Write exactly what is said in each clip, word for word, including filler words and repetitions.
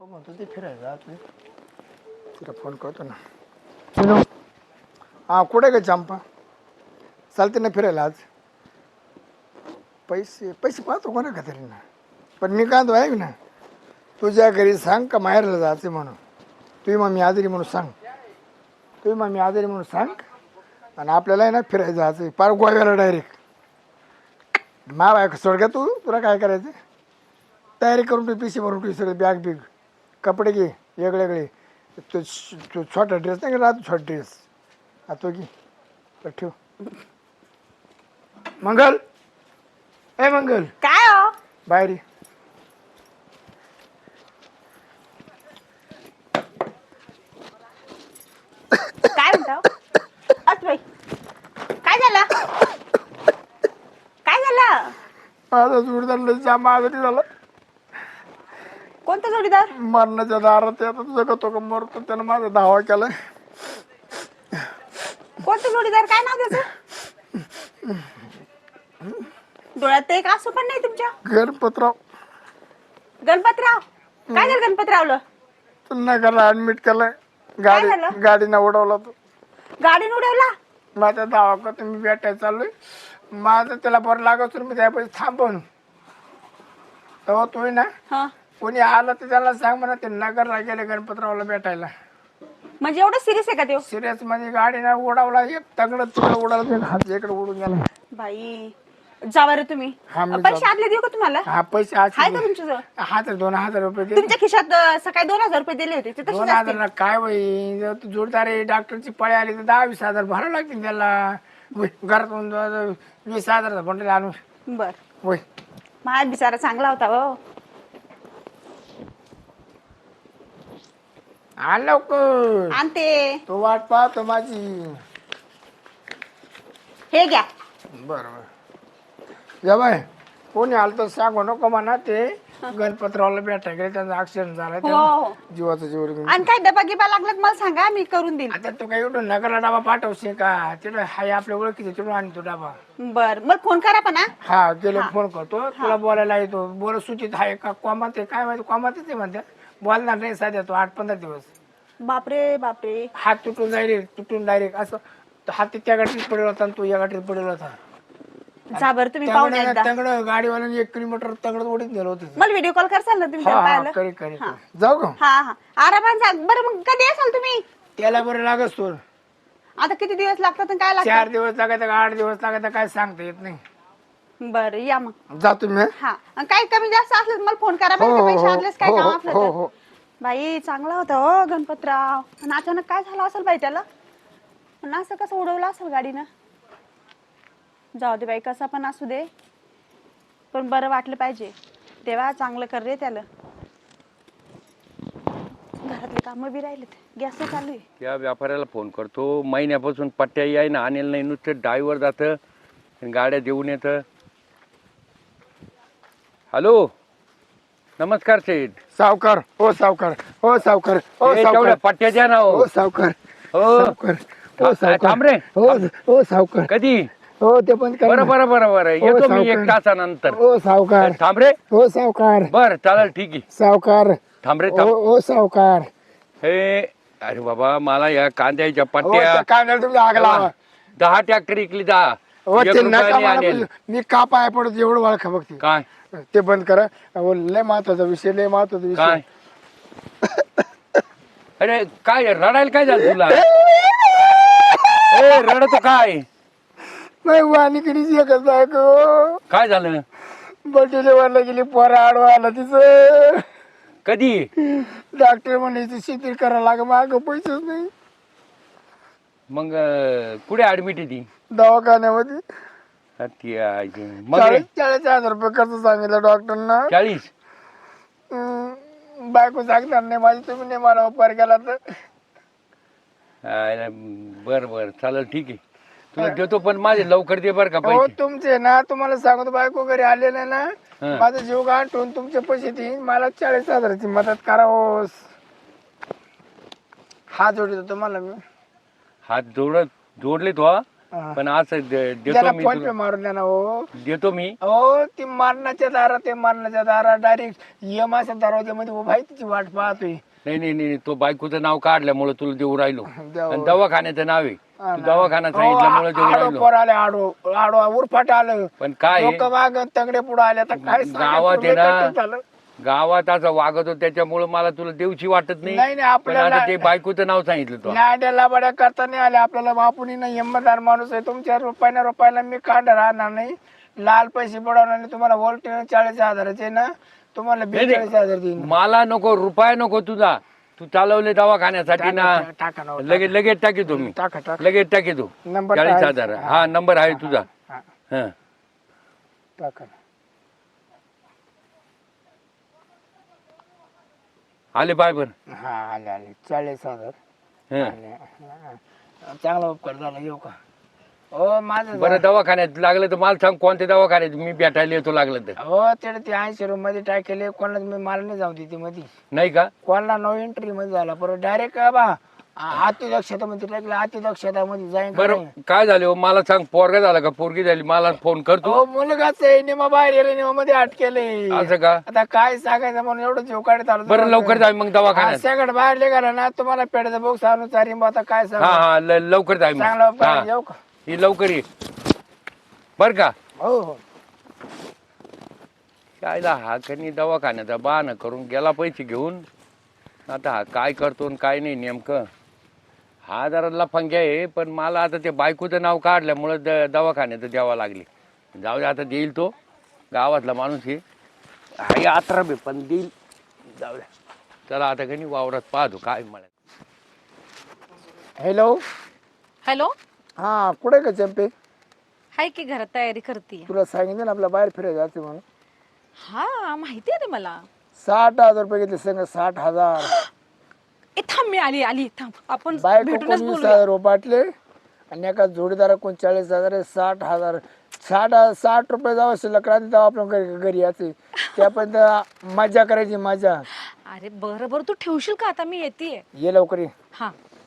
हो म्हणतो ते फिरायला तुम्ही तिला फोन करतो ना. हॅलो हां कुठे ग चंपा चालते ना फिरायला आज? पैसे पैसे पाहतो कोणा का तरी ना. पण मी काय तो ऐक ना, तुझ्या घरी सांग का माहेरला जायचं म्हणून. तुम्ही मग मी आजारी म्हणून सांग, तुम्ही मग मी आजारी म्हणून सांग. आणि आपल्याला आहे ना फिरायला जायचं पार गोव्याला डायरेक्ट. मा बायको सोड का तू, तुला काय करायचं तयारी करून तू पिशी भरून तू सगळे बॅग बिग कपडे घे वेगळे वेगळे. तो तो छोटा ड्रेस नाही का राहतो छोटा ड्रेस हा तो घे तर ठेव. मंगल ए मंगल काय हो? बाहेर ये. काय म्हणता? अस बाई काय झालं? काय झालं? माझा जोडदार जाम आजारी झाला. कोणता जोडीदार? मरणाच्या दारात आहे. आता तुझं का तो का मरतो त्यानं माझा धावा केलाय. कोणता जोडीदार? काय नाव त्याचं? डोळ्यात एक असू पण नाही तुमच्या. गणपतराव. गणपतराव काय झालं गणपतरावला? पुन्हा त्याला ऍडमिट केलाय. गाडी झालं? गाडीनं उडवला तो. गाडीने उडवला? माझा धावा का तुम्ही भेटायला चाललोय. माझं त्याला बरं लागत मी त्यापाशी थांबवून तेव्हा तोय ना हा कोणी आलं तर त्याला सांग म्हणा ते नगरला गेले गणपतरावला भेटायला. म्हणजे एवढं सिरियस आहे का ते? सिरियस म्हणजे गाडीनं उडवला एक तगडं तिकडं उडवला हात इकडे उडून गेला. बाई जा बरं तुम्ही. हा, मी पैसे जातो. आदले देऊ का तुम्हाला? हा पैसे आज आहे का तुमच्याजवळ? हजार दोन हजार रुपये दे. तुमच्या खिशात अं, सकाळी दोन हजार रुपये दिले होते ते दोन तसेच असतील. हजार काय होई जर तू जोडदार आहे डॉक्टरची पळी आली तर दहा वीस हजार भरावं लागतील त्याला. होय घरातून दो- वीस हजाराचा बंडल आणून बर होय. माझा बिचारा चांगला होता हो. आण लवकर आणते. तो वाट पाहतो माझी. हे घ्या. बरोबर या बाय कोणी आलं तर सांगू नको म्हणा. ते गणपतरावला भेटायला गेले त्यांचा ऍक्सिडेंट झाला हो तेव्हा हो. जीवाचा जीवर घेऊन. आणि काय डबा गिबा लागला मला सांगा मी करून देईल. आता तू काय एवढं नगरला डबा पाठवशील का? तिथं हाय आपल्या ओळखीचे तिथून आणतो डबा. बर मला फोन करा पण हा. हा गेलो फोन करतो तुला बोलायला येतो. बोल सूचित आहे का कोमात आहे काय माहिती. कोमातच आहे म्हणते बोलणार नाही साध्या तो आठ पंधरा दिवस. बापरे बापरे. हात तुटून डायरेक्ट तुटून डायरेक्ट असं हात त्या गाठीत पडेल होता आणि तू या गाठीत पडेल होता. जा बरं तुम्ही पाहून एकदा. तंगड गाडीवाल्याने एक किलोमीटर तंगड ओढीत नेलं होतं. मला व्हिडिओ कॉल करसाल ना तुम्ही त्याला हा पाहायला? करी करी जाऊ का? हा हा आरामात जा. बरं मग कधी असाल तुम्ही? त्याला बरं लागत तो आता किती दिवस लागतात आणि काय चार लागतं? दिवस लागायचं का आठ दिवस लागायचं काय सांगता येत नाही. बरं या मग. जातो मी. हा आणि काही कमी जास्त असलं तर मला फोन करा. हो, बरं का? हो, पैसे हो, आदलेच काय हो, काम हो, असलं हो, तर. हो. बाई चांगला होता हो गणपतराव. आणि अचानक काय झालं असेल बाई त्याला? आणि असं कसं उडवलं असेल गाडीनं? जाऊ दे बाई कसा पण असू दे पण बरं वाटलं पाहिजे. तेव्हा चांगलं कर रे त्याला. घरातले कामं बी राहिलेत. गॅस चालू आहे. त्या व्यापाऱ्याला फोन करतो. महिन्यापासून पट्ट्या याय ना आणेल नाही. नुसतं ड्रायव्हर जातं आणि गाड्या देऊन येतं. हॅलो नमस्कार सेठ. सावकार हो सावकार हो सावकार हो ए, सावकार तेवढ्या पट्ट्या द्या ना हो. हो सावकार हो सावकार हो था- सावकार थांब रे. हो हो सावकार कधी? हो ते पण करा बरं ना. बरं बरं बरं हो, येतो मी सावकार. एक तासानंतर. हो सावकार थांब रे. हो सावकार बर चालेल ठीक आहे. सावकार थांब रे हो थांब. हो सावकार हे अरे बाबा मला या कांद्याच्या हो पट्ट्या त्या कांद्याला तुम्ही आग लावा. दहा ट्रॅक्टर इकली दहा. हो एक ते नका रुपयाने मला आणेल. बोलू. मी का पाय पडतो एवढं ओळखा बघते काय ते बंद करा. अहो, लय महत्वाचा विषय लय महत्वाचा काय विषय. अरे काय रडायला काय झालं तुला? ए रडतो काय? नाही वाणीकडीच एकच बायको काय झालं? बर्थडे वाला गेली पोरा आडवा आला तिचं. कधी? डॉक्टर म्हणायचं शिथिल करायला लाग माग पैसेच नाही. मग अं, कुठे ऍडमिट आहे ती? दवाखान्यामध्ये ती आहे. मग रे? चाळीस चाळीस हजार रुपये खर्च सांगितलं डॉक्टरना. चाळीस? हम्म, बायको सांगणार नाही माझी तुम्ही नाही मला उपचार केला तर. अरे, बर बर चालेल ठीक आहे. तुला देतो पण माझे लवकर दे बर का हो पैसे. तुमचे ना तुम्हाला सांगतो बायको घरी आले नाही ना हं. माझा जीव गाठून तुमचे पैसे देईन. मला चाळीस हजाराची मदत करा हो. हात जोडतो तुम्हाला मी. हात जोडत जोडले तो हा? पण असं दे- देतो त्याला मी फोन पे तुला. मारून द्या ना हो. देतो मी. हो ती मरणाच्या दारात ते मरणाच्या दारात डायरेक्ट यमाच्या दरवाज्यामध्ये उभा आहे तिची वाट पाहतोय. नाही नाही नाही तो बायकोचं नाव काढल्यामुळे तुला देऊ राहिलो. देऊ. आणि दवाखान्याचं नाव आहे. हा तू ना. दवाखाना हो, सांगितल्यामुळे देऊ आडो राहिलो. पोर आले आडो आडो उरफाट आलं. पण काय आहे, लोक माग तंगडे पुढे आले तर काय सांगायचं, गावात आहे लय ना, कठीण झालं. गावात असं वागतो त्याच्यामुळे मला तुला देऊची वाटत नाही. नाही नाही पण आपल्याला आता ते बायकोचं नाव सांगितलं तो. लाड्याला बड्या करता नाही आले आपल्याला. बापूनी नाही हिंमतदार माणूस आहे. तुमच्या रुपयाने रुपयाला मी कांड राहणार नाही. लाल पैसे बुडवणार नाही. तुम्हाला वोल्ट चाळीस हजाराचे ना तुम्हाला बेचाळीस हजार देईन. मला नको रुपया नको तुझा. तू चालवले दवाखान्यासाठी ना. टाका ना लगेच लगेच टाकी तुम्ही टाका टाका लगेच टाकी तू नंबर चाळीस आहे. हजार हा नंबर आहे तुझा. हा, हा टाका. आले पाय बर. हा आले आले चाळीस हजार हं. आले. हा. चांगला उपकार झाला. येऊ का हो माझं बरं दवाखान्यात लागलं तर मला सांग कोणत्या दवाखान्यात मी भेटायला येतो लागलं तर. हो तेवढे ते ऐंशी रूम मध्ये टाकेले. कोणाला मी मला नाही जाऊ देते मध्ये. नाही का कोणाला नो एंट्री मध्ये झाला परत डायरेक्ट बा अतिदक्षता मध्ये टाकलं. अतिदक्षता मध्ये जाईन का बरं नाही? काय झाले हो मला सांग पोरगा झाला का पोरगी झाली मला फोन करतो. हो मुलगाच आहे. निमा बाहेर गेले निमा मध्ये अटकेले. असं का आता काय सांगायचं म्हणून एवढं जीव काढत आलो. बरं लवकर जाय मग दवाखान्यात. सगळं बाहेर निघाला ना तुम्हाला पेडचा बॉक्स आणून चारी मग आता काय सांग. हा हा ल- लवकर जाय चांगला मग उपकार हा येऊ का ही लवकर ये बर का. हो हो कायला हा कनी दवाखान्याचा बहाणा करून गेला पैसे घेऊन. आता हा काय करतो आणि काय नाही नेमकं. हा जरा लफंग्या आहे पण मला आता ते बायकोचं नाव काढल्यामुळं द दवाखान्याचं द्यावं लागले. जाऊ दे आता देईल तो गावातला माणूस आहे. हाय आत्रा बे पण देईल. जाऊ द्या चला आता कनी वावरात पाहतो काय मला. हॅलो हॅलो हा कुठे का चंपे. हाय की घरात तयारी करते. तुला सांगितलं ना आपल्या बाहेर फिरायला जाते म्हणून. हा माहिती आहे रे मला. साठ हजार रुपये घेतले संग. साठ हजार ए थांब मी आली आली थांब आपण बायको भेटूनच कोणी वीस बोलूया. हजार रुपये बाटले आणि एका जोडीदारा कोण चाळीस हजार आहे. साठ हजार साठ साठ रुपये जावं शिल्लक राहते तेव्हा आपण घरी घरी यायचे. त्यापर्यंत मजा करायची मजा. अरे बरं बरं तू ठेवशील का आता मी येते. ये लवकर ये. हा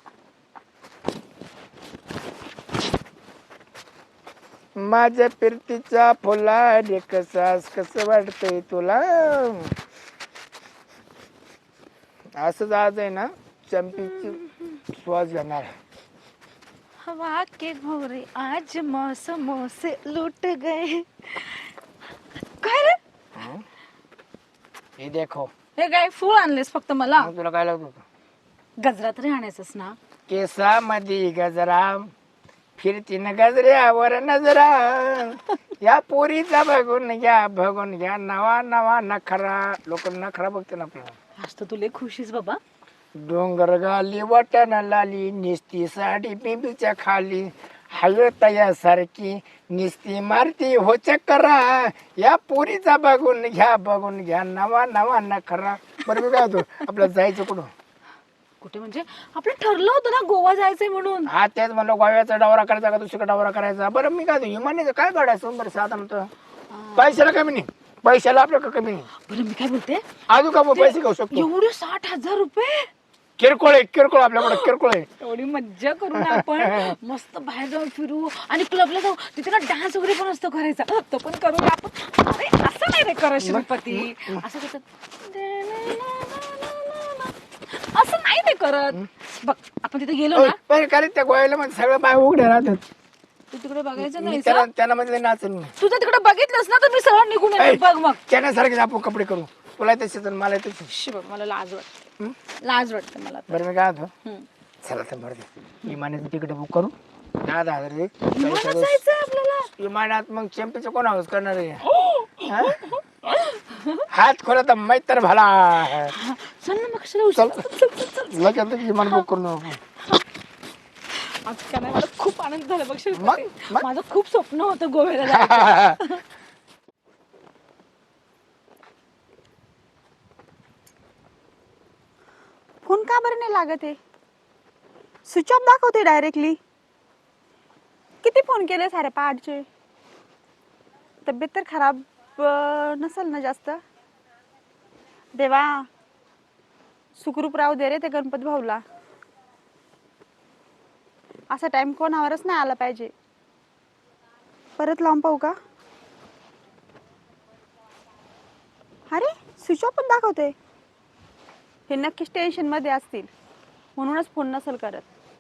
माझ्या फिरतीच्या फुला रे कसास कसं वाटतंय तुला. असंच आज आहे ना चंपीची श्वास घेणार. हवा के भोरे आज मौसमों से लूट गए. काय रे हे देखो. हे काय फूल आणलेस फक्त मला. मग तुला काय लागत होतं. गजरा तरी आणायचंस ना. केसामध्ये गजरा फिरती न गजऱ्यावर नजरा. या पोरीचा बघून घ्या बघून घ्या नवा नवा नखरा. लोक नखरा बघते ना आपल्याला. आज तर तुला खुशीच बाबा. डोंगर गाली वाटण लाली निस्ती साडी पिंपीच्या खाली हय तयासारखी निस्ती मारती हो चक्करा. या पोरीचा बघून घ्या बघून घ्या नवा नवा नखरा. बरं मी काय होतो आपल्याला जायचं कुठं. कुठे म्हणजे आपलं ठरलं होतं ना गोवा जायचंय म्हणून. हा तेच म्हणलं गोव्याचा डावरा करायचा का दुसरीकडे डावरा करायचा. बरं मी काय विमानाचं काय काढायचं बरं साधा म्हणतो. पैशाला कमी नाही. पैशाला आपल्याकडे कमी नाही. बरं मी काय बोलते अजून का मग पैसे घेऊ शकतो. एवढे साठ हजार रुपये. किरकोळ आहे किरकोळ आपल्याकडे किरकोळ आहे. एवढी मज्जा करू ना आपण. मस्त बाहेर जाऊन फिरू आणि क्लबला जाऊ. तिथे ना डान्स वगैरे पण असतो करायचा. तो पण करूया आपण. अरे असं नाही रे करत श्रीपती. असं कसं असं नाही ते करत. बघ आपण तिथे गेलो ना. पण कारण त्या गोव्याला म्हणजे सगळं बाय उघडे राहतात. तू तिकडे बघायचं मी नाही. त्याला त्यांना म्हणजे नाचन मी. तुझं तिकडे बघितलंस ना तर मी सरळ निघून येतो. बघ मग त्याच्यासारखे आपण कपडे करू. तुला तसेच मला तसे. शी बघ मला लाज वाटते. लाज वाटते मला तर. बरं मी काय होतो हम्म. चला तर बरं विमानाचं तिकीट बुक करू. दहा दहा हजार दे. विमानात जायचंय आपल्याला. विमानात मग चॅम्पियनचं कोण हाऊस करणार आहे. हा? हात खोला तर माहीत तर भला. चल ना मग कशाला उशीर. चल, चल, चल, चल. लगेच लगेच विमान बुक करू नको. आज का नाही मला खूप आनंद झाला बघ श्रीपती. मग- मग? माझं खूप स्वप्न होतं गोव्याला जायचं. फोन का बरं नाही लागत आहे. स्विच ऑफ दाखवते डायरेक्टली. किती फोन केले सारे पहाटचे. तब्येत तर खराब अं, नसेल ना जास्त. देवा सुखरूप राहू दे रे ते गणपती भाऊला. असा टाइम कोणावरच नाही आला पाहिजे. परत लावून पाहू का? अरे स्विच ऑफ पण दाखवते. हे नक्कीच टेन्शन मध्ये असतील म्हणूनच फोन नसेल करत.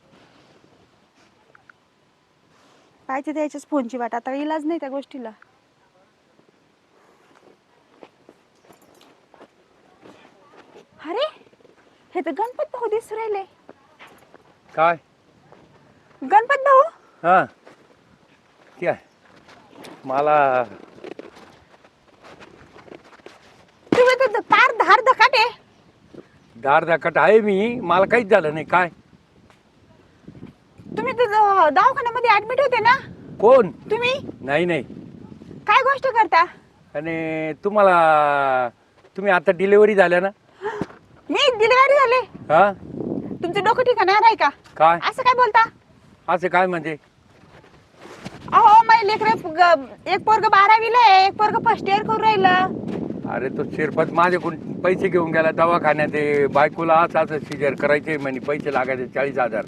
पाहिजे त्याच्याच फोनची वाट, आता इलाज नाही त्या गोष्टीला. अरे हे तर गणपत भाऊ दिसू राहिले. काय गणपत भाऊ हा काय मला तुम्ही तर पार धार धकाटे. दार दाखट आहे मी, मला काहीच झालं नाही. काय तुम्ही तर द- दवाखान्यामध्ये ऍडमिट होते ना? कोण? तुम्ही नाही नाही. काय गोष्ट करता? आणि तुम्हाला तुम्ही आता डिलिव्हरी झाल्या ना? मी डिलिव्हरी झाले. हा तुमचं डोकं ठिकाणावर आहे का? काय असं काय बोलता? असं काय म्हणजे? अहो माझे लेकर एक पोरग बारावीला आहे, एक पोरग फर्स्ट इयर करून राहिलं. अरे तो शिरपत माझ्याकडून पैसे घेऊन गेला दवाखान्यात. ते बायकोला असं असं सिजर करायचे म्हणे, पैसे लागायचे चाळीस हजार.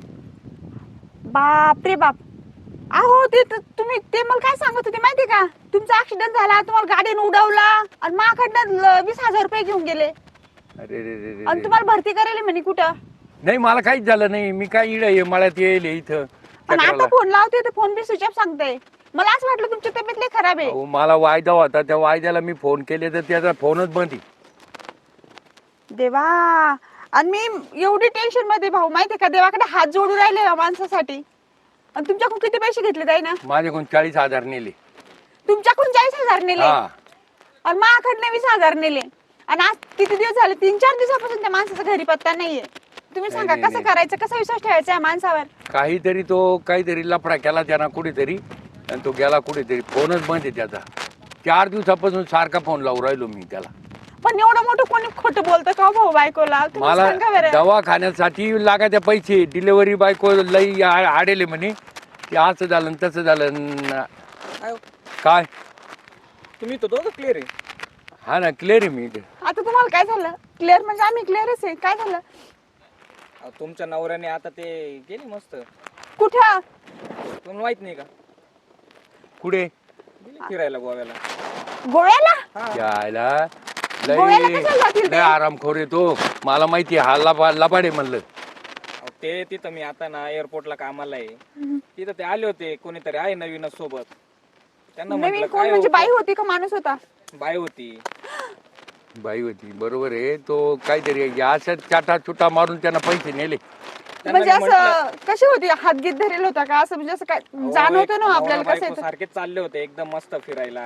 बाप रे बाप. अहो ते त- तुम्ही ते मला काय सांगत होते माहिती का? तुमचा ऍक्सिडेंट झाला, तुम्हाला गाडीने उडवला आणि माझ्याकडनं ल- वीस हजार रुपये घेऊन गेले अरे रे रे रे आणि रे. तुम्हाला भरती करायला म्हणे कुठं. नाही मला काहीच झालं नाही. मी काय इड आहे मळ्यात येईल इथं पण चक्राला. आता फोन लावते तर फोन बी स्विच ऑफ सांगते. मला असं वाटलं तुमची तब्येत लई खराब आहे. अहो, मला वायदा होता, त्या वायद्याला मी फोन केले तर त्याचा फोनच बंद आहे. देवा. आणि मी एवढी टेन्शन मध्ये भाऊ माहितीये का, देवाकडे हात जोडू राहिले या माणसासाठी. आणि तुमच्याकडून किती पैसे घेतले ताई ना? माझ्याकडून चाळीस हजार नेले. तुमच्याकडून चाळीस हजार नेले हा आणि माझ्याकडनं वीस हजार नेले. आणि आज किती दिवस झाले, तीन चार दिवसापासून त्या माणसाचा घरी पत्ता नाहीये. तुम्ही सांगा नाही, कसं नाही. करायचं, कसा विश्वास ठेवायचा या माणसावर? काहीतरी तो काहीतरी लफडा केला त्यानं कुठेतरी आणि तो गेला कुठेतरी. फोनच बंद आहे त्याचा. चार दिवसापासून सारखा फोन लावून राहिलो मी त्याला. पण एवढं मोठं कोणी खोटं बोलतं का भाऊ बायकोला? तुम्ही मला सांगा बरं. दवाखान्यासाठी लागायचे पैसे, डिलिव्हरी बायको लई आ- आडेले म्हणे की असं झालं न तसं झालं न- काय तुम्ही तो दोघं क्लिअर आहे. हा ना क्लिअर आहे मी इथे. आता तुम्हाला काय झालं? क्लिअर म्हणजे आम्ही क्लिअरच आहे. काय झालं? अहो, तुमच्या नवऱ्याने आता ते गेली मस्त. कुठं? तुम्हाला माहित नाही का? कुठे गेली फिरायला गोव्याला. गोव्याला? यायला गोव्याला लई कशाला जातील ते? लई आरामखोर येतो. मला माहिती आहे, हा लबा लबाडे म्हणलं. अहो, ते तिथं मी आता ना एअरपोर्टला कामाला आहे. तिथं ते आले होते, कोणीतरी आहे नवीनच सोबत. त्यांना नवीन म्हटलं कोण काय म्हणजे हो? बाई होती का माणूस होता? बाई होती. बाई होती बरोबर आहे. तो काहीतरी अशा चाटा चुटा मारून त्यांना पैसे नेले. त्यांना म्हणजे मी म्हटलं, असं कशी होती? हातगीत धरेल होता का? असं म्हणजे असं काय अहो, जाणवतं एक ना आपल्याला नवरा कसं बायको येतं? सारखेच चालले होते एकदम मस्त फिरायला.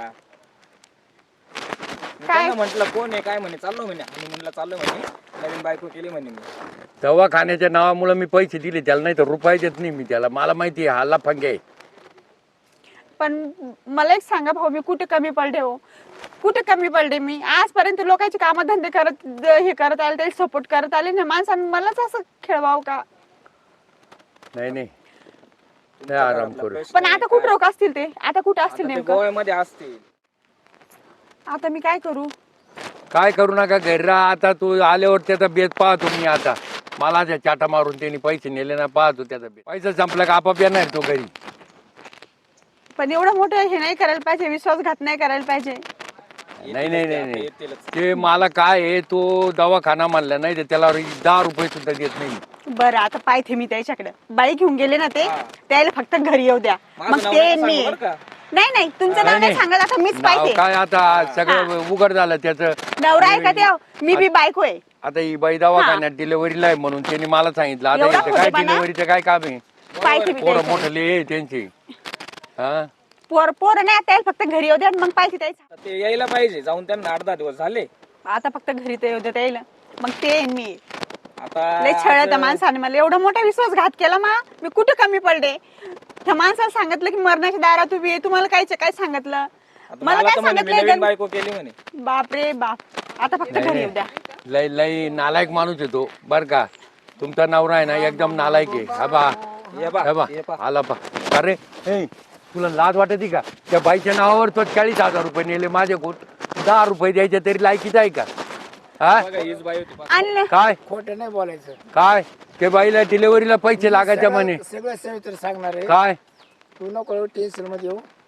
मी काय? त्यांना म्हटलं कोण आहे काय म्हणे, चाललो म्हणे आणि म्हणलं चाललो म्हणे, नवीन बायको केली म्हणे मी. दवाखान्याच्या नावामुळे मी पैसे दिले त्याला, नाही तर रुपये देत नाही मी त्याला. मला माहिती आहे हा लफंगे आहे. पण मला एक सांगा भाऊ, मी कुठे कमी पडले हो? कुठे कमी पडले मी? आजपर्यंत लोकांचे कामधंदे करत हे करत आले, त्याला सपोर्ट करत आले ना माणसानं, मलाच असं खेळवावं का? नाही नाही नाही आराम करू. पण आता कुठं रोग असतील ते? आता कुठं असतील आता ते नेमकं? गोव्यामध्ये असतील. आता मी काय करू? काय करू नका घरी राहा. आता तू आल्यावर त्याचा बेत पाहतो मी. आता मला त्या चाटा मारून त्यांनी पैसे नेले ना, पाहतो त्याचा बेत. पैसा संपला का आपाप येणार तो घरी. पण एवढं मोठं हे नाही करायला पाहिजे, विश्वासघात नाही करायला पाहिजे. नाही नाही नाही नाही येतीलच. ते मला काय आहे, तो दवाखाना म्हणला नाही तर त्याला दहा रुपये सुद्धा देत नाही. बरं आता पाहते मी त्याच्याकडे. बाई घेऊन गेले ना ते, त्याला फक्त घरी येऊ द्या. माझं मग नाव ते नका मी सांगू बरं का? नाही नाही तुमचं नाव नाही सांगत. आता मीच नाव पाहते. काय आता सगळं उघड झालं त्याचं. नवरा आहे का त्या? मी बी बायको आहे. आता ही बाई दवाखान्यात डिलिव्हरीला आहे म्हणून त्यांनी मला सांगितलं. आता एवढा इथं काय खोटेपणा? डिलिव्हरीचं काय काम आहे? पाहते मी पोरं त्याच्याकडे. मोठं आहे त्यांची. हा पोर पोर नाही, त्याला फक्त घरी येऊ द्या. मग पाहिजे त्याचं. तर ते यायला पाहिजे. जाऊन त्यांना आठ दहा दिवस झाले. आता फक्त घरी ते येऊ द्या त्याला. मग ते येईन मी. आता लय छळ आज- त्या माणसाने मला एवढा मोठा विश्वासघात केला. मा मी कुठे कमी पडले? त्या माणसाला सांगितलं की मरणाच्या दारात उभी आहे. तुम्हाला कायच काय सांगितलं? आता मला मला काय तर म्हणे मी नवीन सांगितलं? बायको केली म्हणे. बाप रे बाप. आता फक्त घरी येऊ द्या. लय लय नालायक माणूस येतो बर का. तुमचा नवरा आहे ना एकदम नालायक आहे. हा बा ये बा, हा बा ये बा. आला पा. अरे ए, तुला लाज वाटते का? त्या बाईच्या नावावर तो चाळीस हजार रुपये नेले माझ्याकडून. दहा रुपये द्यायचे तरी लायकीच आहे का? हा बघा, हीच बाई होती. आणि काय खोटं नाही बोलायचं. काय ते बाईला डिलिव्हरीला पैसे लागायचे म्हणे. सगळं सगळं सवित्र सांगणार आहे. काय तू नको टेन्शन मध्ये येऊ.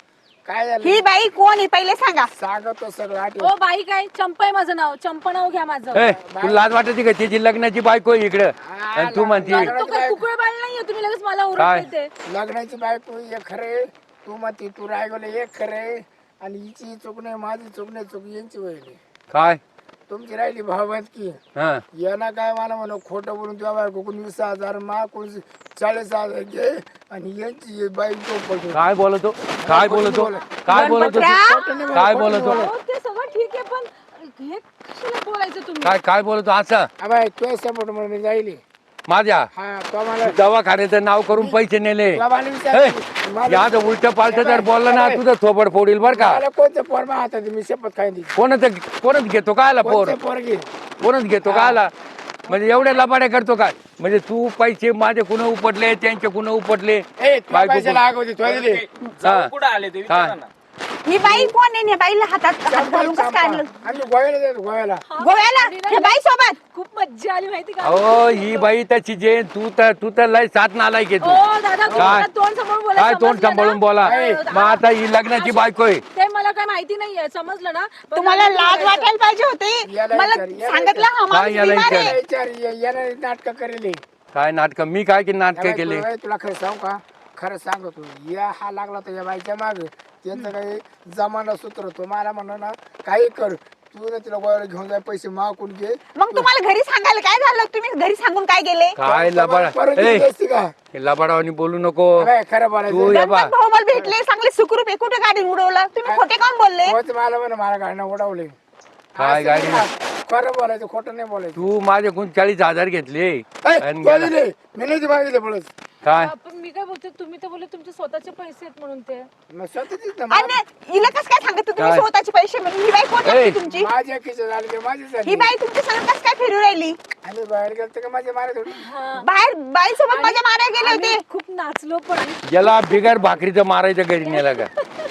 काय झालं ही बाई कोण आहे पहिले सांगा. सांगतो सगळं आठवण. ओ बाई काय चंपा आहे माझं नाव, चंपा नाव घ्या माझं. ए तुला लाज वाटते का तिची लग्नाची बायको आहे इकडं आणि तू म्हणती तो काय कुकळ बाळ नाहीये, तुम्ही लगेच मला काय? ओरडते ते. लग्नाची बायको हे खरे, तू म्हणती तू रायगोले एक खरे, आणि हिची चूक नाही, माझी चूक नाही, चूक यांची वहिली काय तुमची राहिली भावत की हा यांना काय मला म्हणा खोटं बोलून तुझ्या बायको कोण वीस हजार मा कोण चाळीस हजार घे, आणि यांची बायको पडतो. काय बोलतो काय बोलतो काय बोलतो गणपतराव! काय बोलतो हो, ते सगळं ठीक आहे, पण हे कशाला बोलायचं तुम्ही? काय काय बोलतो असं अबाय तुझ्या सपोर्ट म्हणून जाईल. माझ्या हा तो मला दवाखान्याचं नाव करून पैसे नेले तुला मला विचार मला या उलट पालट जर बोललं ना तुझं थोबड फोडील बर का मला कोणतं पोर मा हातात मी शपथ खाईन दिली. कोणच कोणच घेतो का आला पोर कोणतं पोर घेईन कोणच घेतो का आला म्हणजे एवढ्या लबाड्या करतो काय म्हणजे तू पैसे माझे कुण उपटले त्यांचे कुण उपटले ए तुला बायको पैशाला आग होती तुला दिली. हा. कुठं आले ते विचारा ना. ही बाई कोण आहे? या बाईला हातात हात घालून कसं काय आणलं आणि गोव्याला जातो गोव्याला. गोव्याला या बाई सोबत? खूप मज्जा आली माहिती का? अहो ही बाई तशी जे तू तर तू तर लय साथ नालायक आहे ओ तू दादा काय? तुम्हाला तोंड सांभाळून बोला, काय तोंड समजलं ना? सांभाळून बोला अरे, मग आता ही लग्नाची बायको आहे ते मला काय माहिती नाहीये, समजलं ना? पण तुम्हाला मला लाज बोलायचं. वाटायला पाहिजे होती. याला मला विचार, याला सांगितलं हा काय माणूस याला बिमार विचार? आहे. विचार याने नाटक करेल. काय नाटक मी काय की नाटक केले तुला तुला खरं सांगू का, खरं सांगतो या हा लागला तर या बाईच्या माग त्यांचं काही जमाना सूत्र तो मला म्हणा ना काही कर तू ना तिला गोव्याला घेऊन जाय पैसे मागून घे. मग तुम्हाला घरी सांगायला काय झालं? तुम्ही घरी सांगून काय गेले? काय लबाड परत ए घेतली असती का लबाडावानी बोलू नको अबे, खरं तू बोलायचं या बा गणपत भाऊ मला भेटले, चांगले सुखरूप आहे. कुठे गाडी उडवलं? तुम्ही खोटे काऊन बोलले? होत मला म्हणा मला गाडीनं उडवले. काय असं गाडी? नाही का? खरं बोलायचं खोटं नाही बोलायचं. तू माझ्याकडून चाळीस हजार घेतले ए, आणि तू गेला. दिले, मी नाही मागितले बोलत. काय पण मी काय बोलते, तुम्ही तर बोलले तुमचे स्वतःचे पैसे आहेत म्हणून ते. मग स्वतःचीच ना, आणि हिला कसं काय सांगत तुम्ही काय? स्वतःचे पैसे म्हणून? ही बाई कोण ए. लागते तुमची? माझ्या खिशात झाले ते माझी ही झाली. बाई तुमच्या संग कसं काय फिरू राहिली? आम्ही बाहेर गेलो का माझ्या मारत होती. बाहेर बाई सोबत माझ्या मारायला गेले आम्ही होते. खूप नाचलो पण. याला बिगर भाकरीचं मारायचं घरी नेला का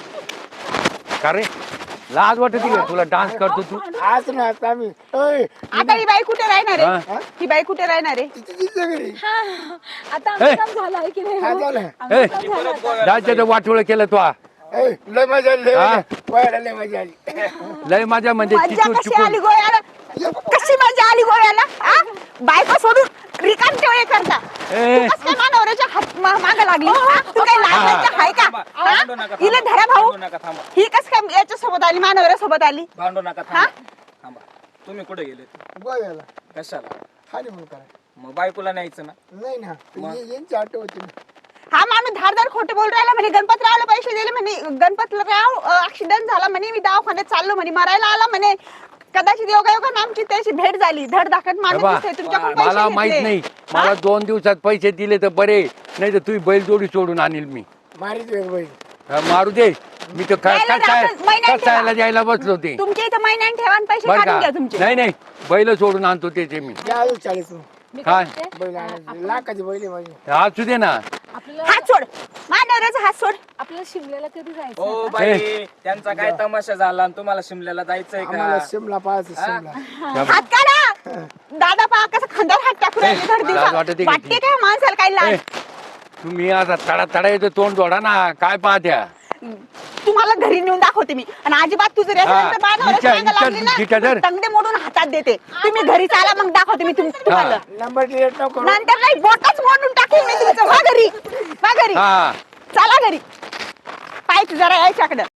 का रे लाज वाटत का तुला डान्स करतो तू आज ना आता आम्ही ओय, आता ही बाई कुठे राहणार हा? आहे? ही बाई कुठे राहणार आहे? तिची तिच्या घरी हा, आता आमचं काम झालं आहे की नाही काय हो? झालं ए राज्याचं वाटोळ केलं तू ए, लय मजा आली लय हा? मजा. गोव्याला लय मजा आली. लय माझ्या म्हणजे मजा चिकून कशी चिकून आली गोव्याला? कशी मजा आली गोव्याला? हा? बायको सोडून रिकाम टेवळे करता. ए. तू कसं काय मानवऱ्याच्या हात माग लागली? हा? तू काय लाज आहे का? थांबा, हा? भांडू नका, हिला थांबा. धरा भाऊ. भांडू नका, थांबा. ही कस काय याच्या सोबत आली, मानवऱ्या सोबत आली? भांडू नका हा? थांबा थांबा तुम्ही कुठे गेले गोव्याला कशाला? खाली म्हणून करा मग बायकोला न्यायचं ना. नाही ना ये- यांची आठ होती ना. हा माणूस धारदार खोटं बोल राहिला म्हणे. गणपतरावला पैसे दिले म्हणे. गणपतराव ऍक्सिडेंट झाला म्हणे, मी दवाखान्यात चाललो म्हणे, मरायला आला म्हणे. कदाचित योगायोगाने आमची त्याची भेट झाली. धड धाकट माणूस बाबा, दिसतोय. तुमच्याकडून मला पैसे माहित घेतले. नाही मला दोन दिवसात पैसे दिले तर बरे नाही तर तू बैल जोडी सोडून आणील मी मारीत एक बाई हा, मारू दे मी तर काय द्यायला कसाय राहतं, महिन्यात कसायला ठेवा. द्यायला बसलो ते तुमच्या इथं महिन्याने ठेवा आणि पैसे बर काढून का घ्या तुमचे. नाही नाही बैल सोडून आणतो त्याचे मी द्या अजून चाळीस मी काय? काय म्हणते, बैल आणायची लाखाची बैल आहे माझी. असू दे ना आपल्याला हात सोड, मानवऱ्याचा हात सोड. आपल्याला शिमल्याला कधी जायचं ओ आता? बाई त्यांचा काय तमाशा झाला आणि तुम्हाला शिमल्याला जायचंय आम्हाला का? शिमला पाहायचं शिमला. हात काढा. दादा पहा कसं खांद्यावर हात टाकून राहिले धड लाज वाटते दिवसा. का वाटते ती? काय माणसाला काही ए, लाज? तुम्ही आता तडा तडा येतो तोंड जोडा ना काय पाहत्या तुम्हाला घरी नेऊन दाखवते मी. आणि अजिबात तुझं हा, रेस्टॉरंट विचार- विचार जिथं धर. तंगडे मोडून हातात देते. तुम्ही घरी चाला मग दाखवते मी तुम- तुम्हाला. नंबर डिलीट नको करू. नंतर नाही बोटच मोडून टाकेल मी तुमचं. वा घरी वा घरी हा चला घरी. पाय जरा यायच्याकडं.